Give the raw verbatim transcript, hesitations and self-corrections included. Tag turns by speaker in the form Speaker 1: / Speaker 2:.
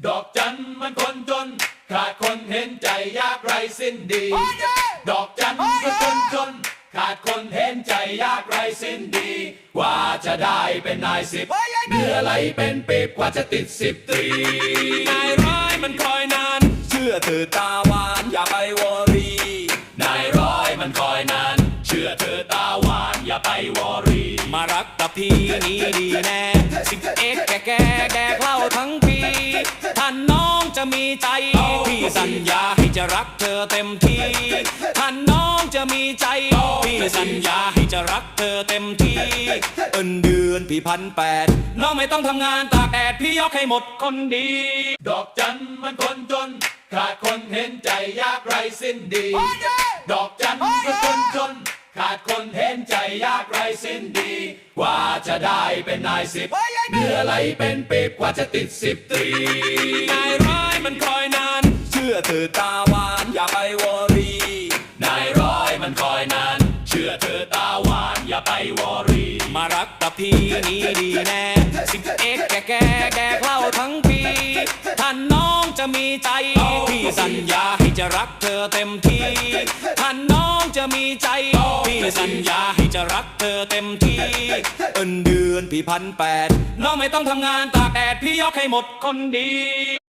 Speaker 1: ดอกจันมันคนจนขาดคนเห็นใจยากไรสิ้นดีดอกจันมันคนจนขาดคนเห็นใจยากไรสิ้นดีกว่าจะได้เป็นนายสิบเหนื่อไหลเป็นปีบกว่าจะติดสิบตรี
Speaker 2: นายร้ายมันคอยนานเชื่อเธอตาหวานอย่าไปวอรี
Speaker 1: นายร้อยมันคอยนานเชื่อเธอตาหวานอย่าไปวอรี
Speaker 2: มารักกับพี่นี้ดีแน่สิบเอ็กแก่แก่แดกเหล้าทั้งปีท่านน้องจะมีใจพี่สัญญาให้จะรักเธอเต็มที่ท่านน้องจะมีใจพี่สัญญาให้จะรักเธอเต็มที่เอินเดือนพี่พันแปดน้องไม่ต้องทำงานตากแดดพี่ยกให้หมดคนดี
Speaker 1: ดอกจันมันคนจนขาดคนเห็นใจยากไรสิ้นดีดอกจันมันคนจนขาดคนเห็นใจยากไรสิ้นดีกว่าจะได้เป็นนายสิบเหนื่อไหลเป็นปีบกว่าจะติดสิบตรี
Speaker 2: นายร้ายมันคอยนานเชื่อเธอตาหวานอย่าไปวอรี
Speaker 1: นายร้อยมันคอยนานเชื่อเธอตาหวานอย่าไปวอรี
Speaker 2: มารักกับพี่นี้ดีแน่สิบเอ็กแก่แก่แดกเหล้าทั้งปีท่านน้องจะมีใจพี่สัญญาให้จะรักเธอเต็มที่ท่านน้องจะมีใจพี่สัญญาให้จะรักเธอเต็มที่เอินเดือนพี่พันแปดน้องไม่ต้องทำงานตากแดดพี่ยกให้หมดคนดี